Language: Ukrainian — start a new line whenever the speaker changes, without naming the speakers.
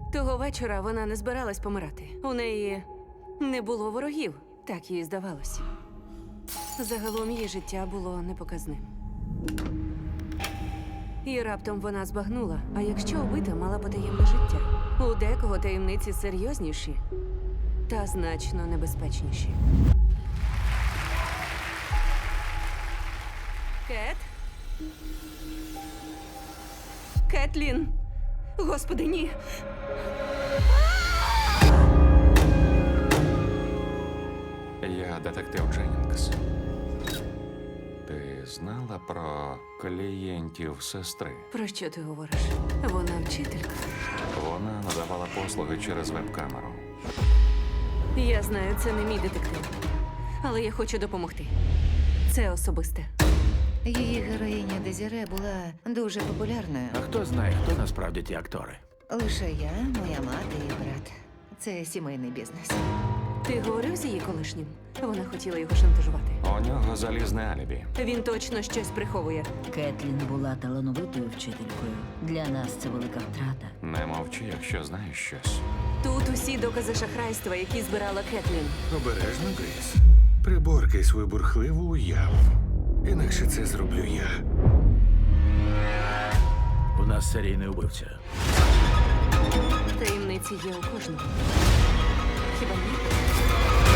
Того вечора вона не збиралась помирати. У неї не було ворогів, так їй здавалось. Загалом її життя було непоказним. І раптом вона збагнула, а якщо убита мала потаємне життя? У декого таємниці серйозніші та значно небезпечніші. Кет? Кетлін! Господи, ні!
Я детектив Дженнінгс. Ти знала про клієнтів сестри?
Про що ти говориш? Вона вчителька.
Вона надавала послуги через веб-камеру.
Я знаю, це не мій детектив. Але я хочу допомогти. Це особисте.
Її героїня Дезіре була дуже популярною.
А хто знає, хто насправді ті актори?
Лише я, моя мати і брат. Це сімейний бізнес.
Ти говорив з її колишнім? Вона хотіла його шантажувати.
У нього залізне алібі.
Він точно щось приховує.
Кетлін була талановитою вчителькою. Для нас це велика втрата.
Не мовчи, якщо знаєш щось.
Тут усі докази шахрайства, які збирала Кетлін.
Обережно, Грейс. Приборкай свою бурхливу уяву. Інакше це зроблю я.
У нас серійний убивця.
Таємниці є у кожного. Хіба ні?